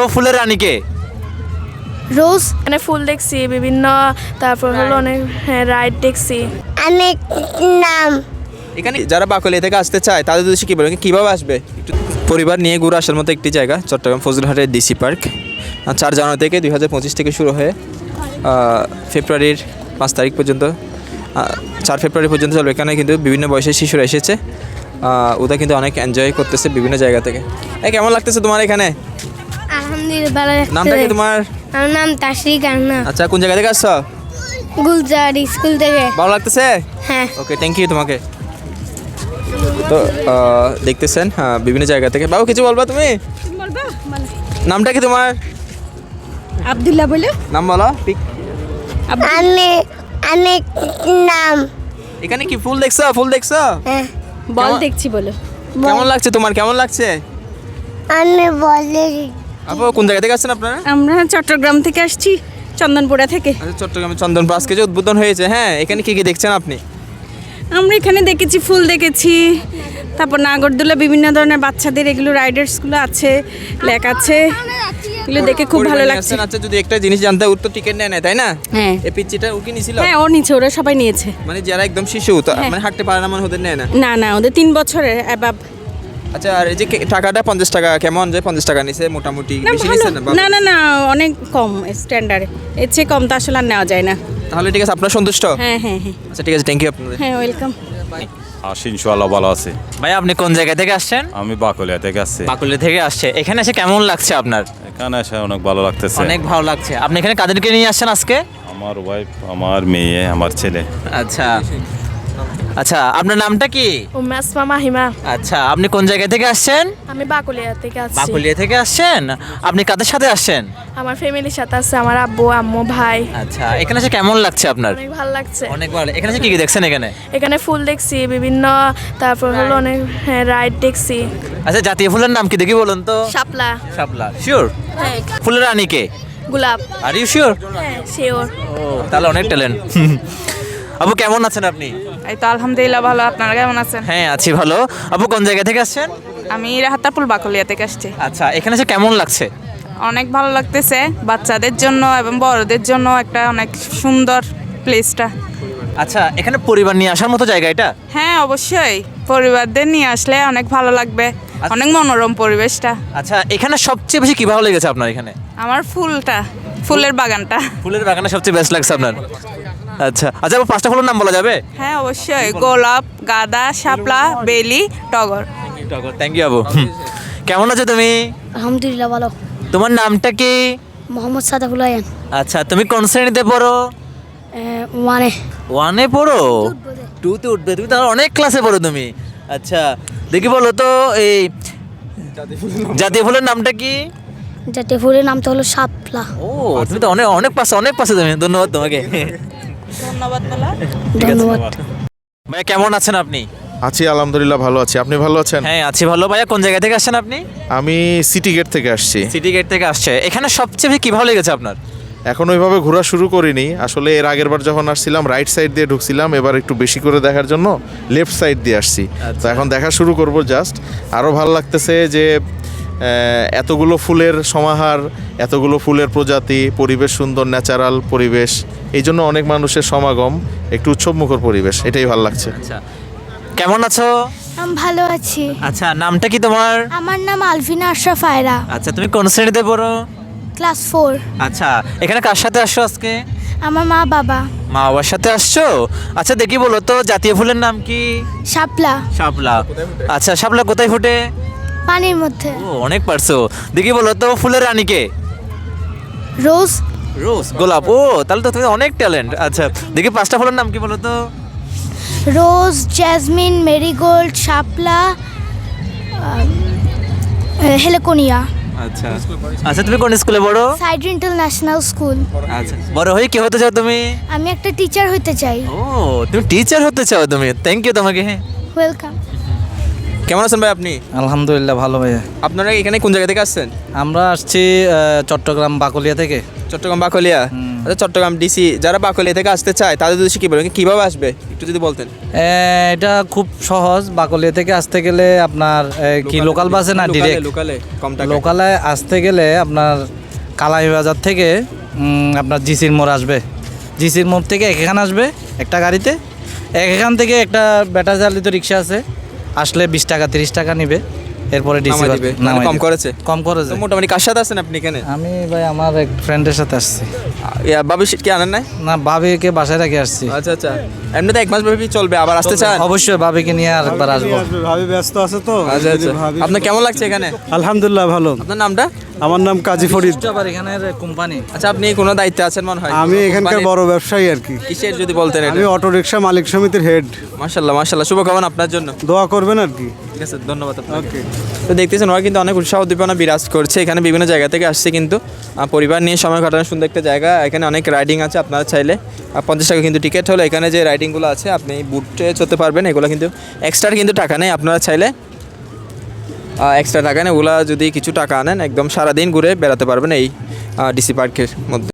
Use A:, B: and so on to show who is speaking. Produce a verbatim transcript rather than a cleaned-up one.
A: ফুলের রানী কে?
B: রোজ। মানে ফুল দেখছি বিভিন্ন, তারপর হলো অনেক রাইড দেখছি। অনেক নাম।
A: এখানে যারা বাকলিয়া থেকে আসতে চায় তাদের উদ্দেশ্যে কী বলবেন, কীভাবে আসবে? একটু পরিবার নিয়ে ঘুরে আসার মতো একটি জায়গা চট্টগ্রাম ফজলুরহাটের ডিসি পার্ক। চার জানুয়ারি থেকে দুই হাজার পঁচিশ থেকে শুরু হয়ে ফেব্রুয়ারির পাঁচ তারিখ পর্যন্ত, চার ফেব্রুয়ারি পর্যন্ত চলবে। এখানে কিন্তু বিভিন্ন বয়সের শিশুরা এসেছে, ওরা কিন্তু অনেক এনজয় করতেছে বিভিন্ন জায়গা থেকে। এই কেমন লাগতেছে তোমার এখানে?
B: আলহামদুলিল্লাহ।
A: নামটা কি তোমার?
B: আমার নাম তাশরিক আন্না।
A: আচ্ছা, কোন জায়গা থেকে আসছো?
B: গুলজার স্কুল থেকে।
A: ভালো লাগতেছে?
B: হ্যাঁ।
A: ওকে, থ্যাংক ইউ তোমাকে। তো দেখতেছেন হ্যাঁ বিভিন্ন জায়গা থেকে। বাবু কিছু বলবা তুমি? নামটা কি তোমার?
C: আব্দুল্লাহ বলে।
A: নাম বলো।
B: আমি অনেক নাম।
A: এখানে কি ফুল দেখছো? ফুল দেখছো?
B: হ্যাঁ।
C: বল দেখছি বলো।
A: কেমন লাগছে তোমার? কেমন লাগছে?
B: আমি বলে।
A: আপু কোন জায়গা থেকে আসছেন আপনারা?
C: আমরা চট্টগ্রাম থেকে আসছি, চন্দনপুরা থেকে।
A: আচ্ছা, চট্টগ্রামে চন্দনপুর আজকে যে উদ্বোধন হয়েছে, হ্যাঁ এখানে কি কি দেখছেন আপনি?
C: আমরা এখানে দেখেছি ফুল দেখেছি, তারপর নাগরদোলা, বিভিন্ন ধরনের বাচ্চাদের এগুলো রাইডার্সগুলো আছে, লেক আছে, এগুলো দেখে খুব ভালো লাগছে।
A: আচ্ছা, যদি একটা জিনিস জানতে, ওর তো টিকিট নেয় না তাই না?
C: হ্যাঁ।
A: এই পিচ্চিটা ও কি নিছিল?
C: হ্যাঁ, ও নিচে, ওরা সবাই নিয়েছে।
A: মানে যারা একদম শিশু মানে হাঁটতে পারে না, মানে ওদের নেয় না?
C: না না, ওদের তিন বছরের অ্যাবাব।
A: আচ্ছা, আর এই যে টাকাটা পঞ্চাশ টাকা, কেমন যে পঞ্চাশ টাকা নিছে? মোটামুটি বেশি নিছে না?
C: না না না, অনেক কম স্ট্যান্ডার্ড, এর চেয়ে কম তো আসলে আর নেওয়া যায় না।
A: তাহলে ঠিক আছে, আপনার সন্তুষ্ট?
C: হ্যাঁ হ্যাঁ হ্যাঁ।
A: আচ্ছা ঠিক আছে, থ্যাংক ইউ আপনাদের।
C: হ্যাঁ, ওয়েলকাম।
D: আসি ইনশাআল্লাহ, ভালো আছে।
A: ভাই আপনি কোন জায়গা থেকে আসছেন?
D: আমি বাকলিয়া থেকে আসছি।
A: বাকলিয়া থেকে আসছে। এখানে এসে কেমন লাগছে আপনার?
D: এখানে এসে অনেক ভালো লাগতেছে।
A: অনেক ভালো লাগছে। আপনি এখানে কাদেরকে নিয়ে আসছেন আজকে?
D: আমার ওয়াইফ, আমার মেয়ে, আমার ছেলে।
A: আচ্ছা আচ্ছা, আপনার নামটা কি?
B: উম্মে আসমা মাহিমা।
A: আচ্ছা, আপনি কোন জায়গা থেকে আসছেন?
B: আমি বাকুলিয়া থেকে আসছি।
A: বাকলিয়া থেকে আসছেন। আপনি কাদের সাথে আসছেন?
B: আমার ফ্যামিলির সাথে আছে, আমার আব্বু, আম্মু, ভাই।
A: আচ্ছা, এখানে এসে কেমন লাগছে আপনার?
B: অনেক ভালো লাগছে।
A: অনেক ভালো। এখানে এসে কি কি দেখছেন এখানে?
B: এখানে ফুল দেখছি বিভিন্ন, তারপর হলো অনেক রাইড দেখছি।
A: আচ্ছা, জাতীয় ফুলের নাম কি দেখি বলুন তো?
B: শাপলা।
A: শাপলা। শিওর?
B: হ্যাঁ।
A: ফুলের রানী কে?
B: গোলাপ।
A: Are you sure?
B: হ্যাঁ, শিওর।
A: ও, তাহলে অনেক ট্যালেন্ট। আপু কেমন আছেন আপনি?
E: এই তো আলহামদুলিল্লাহ ভালো। আপনারা কেমন আছেন?
A: হ্যাঁ আছি ভালো। আপু কোন জায়গা থেকে আসছেন?
E: আমি রাহাতাপুল বাকলিয়া থেকে আসছি।
A: আচ্ছা, এখানে এসে কেমন লাগছে?
E: অনেক ভালো লাগতেছে, বাচ্চাদের জন্য এবং বড়দের জন্য একটা অনেক সুন্দর প্লেসটা।
A: আচ্ছা, এখানে পরিবার নিয়ে আসার মতো জায়গা এটা?
E: হ্যাঁ অবশ্যই, পরিবারদের নিয়ে আসলে অনেক ভালো লাগবে, অনেক মনোরম পরিবেশটা।
A: আচ্ছা, এখানে সবচেয়ে বেশি কি ভালো লেগেছে আপনার এখানে?
E: আমার ফুলটা, ফুলের বাগানটা।
A: ফুলের বাগানে সবচেয়ে বেস্ট লাগছে আপনার? আচ্ছা আচ্ছা, আপু পাঁচটা ফুলের নাম বলা যাবে?
E: হ্যাঁ অবশ্যই, গোলাপ, গাঁদা, শাপলা, বেলি, টগর।
A: থ্যাংক ইউ আপু। কেমন আছো তুমি?
B: আলহামদুলিল্লাহ ভালো।
A: তোমার নামটা কি?
B: মোহাম্মদ সাদাফুল আয়ান।
A: আচ্ছা, তুমি কোন শ্রেণীতে পড়ো?
B: মানে
A: ওয়ানে পড়ো? টুতে উঠবে তুমি, তাহলে অনেক ক্লাসে পড়ো তুমি। আচ্ছা দেখি বলো তো, এই জাতীয় ফুলের নামটা কি?
B: জাতীয় ফুলের নামটা হলো শাপলা।
A: ও, তুমি তো অনেক অনেক পাশে, অনেক পাশে তুমি। ধন্যবাদ তোমাকে।
E: ধন্যবাদ বলা।
B: ধন্যবাদ।
A: ভাই কেমন আছেন আপনি?
F: আছি আলহামদুলিল্লাহ, ভালো আছি। আপনি ভালো আছেন?
A: হ্যাঁ আছি ভালো। ভাইয়া কোন জায়গা থেকে আসছেন আপনি?
F: আমি সিটি গেট থেকে আসছি।
A: সিটি গেট থেকে আসছে। এখানে সবচেয়ে বেশি কি ভালো লেগেছে আপনার?
F: এখন ওইভাবে ঘোরা শুরু করিনি আসলে। এর আগের বার যখন আসছিলাম রাইট সাইড দিয়ে ঢুকছিলাম, এবার একটু বেশি করে দেখার জন্য লেফট সাইড দিয়ে আসছি। তো এখন দেখা শুরু করব জাস্ট। আরও ভালো লাগতেছে যে এতগুলো ফুলের সমাহার, এতগুলো ফুলের প্রজাতি, পরিবেশ সুন্দর, ন্যাচারাল পরিবেশ, এই জন্য অনেক মানুষের সমাগম, একটু উৎসবমুখর পরিবেশ, এটাই ভালো লাগছে।
A: আচ্ছা, কেমন আছো?
B: আমি ভালো আছি।
A: আচ্ছা, নামটা কি তোমার?
B: আমার নাম আলফিনা আশরাফ আয়রা।
A: আচ্ছা, তুমি কোন শ্রেণীতে পড়ো?
B: Class four.
A: আচ্ছা, এখানে কার সাথে আসছো আজকে?
B: আমার মা বাবা।
A: মা বাবার সাথে আসছো? আচ্ছা দেখি বলো তো, জাতীয় ফুলের নাম কি?
B: শাপলা।
A: শাপলা। আচ্ছা, শাপলা কোথায় ফোটে?
B: পানির মধ্যে।
A: ও, অনেক পারছো। দেখি বলো তো, ফুলের রানী কে?
B: রোজ।
A: রোজ, গোলাপ। ও, তাহলে তো তুমি অনেক ট্যালেন্ট। আচ্ছা দেখি পাঁচটা ফুলের নাম কি বলো তো?
B: রোজ, জ্যাসমিন, মেরিগোল্ড, শাপলা, হেলেকোনিয়া।
A: আচ্ছা আচ্ছা, তুমি কোন স্কুলে পড়ো?
B: Side international school.
A: আচ্ছা, বড় হয়ে কি হতে চাও তুমি?
B: আমি একটা টিচার হতে চাই।
A: ও, তুমি টিচার হতে চাও তুমি? থ্যাংক ইউ তোমাকে। হ্যাঁ,
B: ওয়েলকাম।
A: কেমন আছেন ভাই আপনি?
G: আলহামদুলিল্লাহ ভালো ভাইয়া।
A: আপনারা এখানে কোন জায়গা থেকে আসছেন?
G: আমরা আসছি চট্টগ্রাম বাকলিয়া থেকে।
A: চট্টগ্রাম বাকলিয়া। আচ্ছা চট্টগ্রাম ডিসি যারা বাকলিয়া থেকে আসতে চায় তাদের উদ্দেশ্যে কী বলবেন, কীভাবে আসবে একটু যদি বলতেন।
G: এ, এটা খুব সহজ। বাকলিয়া থেকে আসতে গেলে আপনার এ, কি লোকাল বাসে না ডিরেক্ট?
A: লোকালে কম টাকা।
G: লোকালে আসতে গেলে আপনার কালাই বাজার থেকে উম, আপনার জিসির মোড় আসবে। জিসির মোড় থেকে এখানে আসবে একটা গাড়িতে, এখান থেকে একটা ব্যাটারি চালিত রিক্সা আছে, আসলে বিশ টাকা তিরিশ টাকা নিবে, এরপরে ডিসি
A: নামাই দিবে, মানে কম করেছে?
G: কম করেছে।
A: তো মোটামুটি কার সাথে আছেন আপনি এখানে?
G: আমি ভাই আমার এক ফ্রেন্ডের সাথে আসছি।
A: ইয়া, বাবু সিট কি আনেন নাই?
G: না, ভাবিকে বাসায় রেখে আসছি।
A: আচ্ছা আচ্ছা, এমনিতে এক মাস ব্যাপী চলবে, আবার আসতে চান?
G: অবশ্যই ভাবিকে নিয়ে আরেকবার আসবো।
H: ভাবি ব্যস্ত আছে তো।
A: আচ্ছা আচ্ছা, আপনার কেমন লাগছে এখানে?
H: আলহামদুলিল্লাহ ভালো।
A: আপনার নামটা?
H: আমার নাম কাজী ফরিদ।
G: আবার এখানের কোম্পানি।
A: আচ্ছা, আপনি কোনো দায়িত্বে আছেন মনে হয়?
H: আমি এখানকার বড় ব্যবসায়ী আর কি।
A: কিসের যদি বলতেন এটা?
H: আমি অটো রিক্সা মালিক সমিতির হেড।
A: মাশাআল্লাহ মাশাআল্লাহ, শুভকামনা আপনার জন্য।
H: দোয়া করবেন আর কি।
A: ঠিক আছে, ধন্যবাদ আপনাকে। তো দেখতেছেন ওরা কিন্তু অনেক উৎসাহ উদ্দীপনা বিরাজ করছে, এখানে বিভিন্ন জায়গা থেকে আসছে কিন্তু আহ, পরিবার নিয়ে সময় কাটানোর সুন্দর একটা জায়গা। এখানে অনেক রাইডিং আছে, আপনারা চাইলে আহ, পঞ্চাশ টাকা কিন্তু টিকিট হলো। এখানে যে রাইডিংগুলো আছে আপনি বুটে চলতে পারবেন, এগুলো কিন্তু এক্সট্রা কিন্তু টাকা নেই, আপনারা চাইলে এক্সট্রা টাকা নেই, ওগুলা যদি কিছু টাকা আনেন একদম সারাদিন ঘুরে বেড়াতে পারবেন এই ডিসি পার্কের মধ্যে।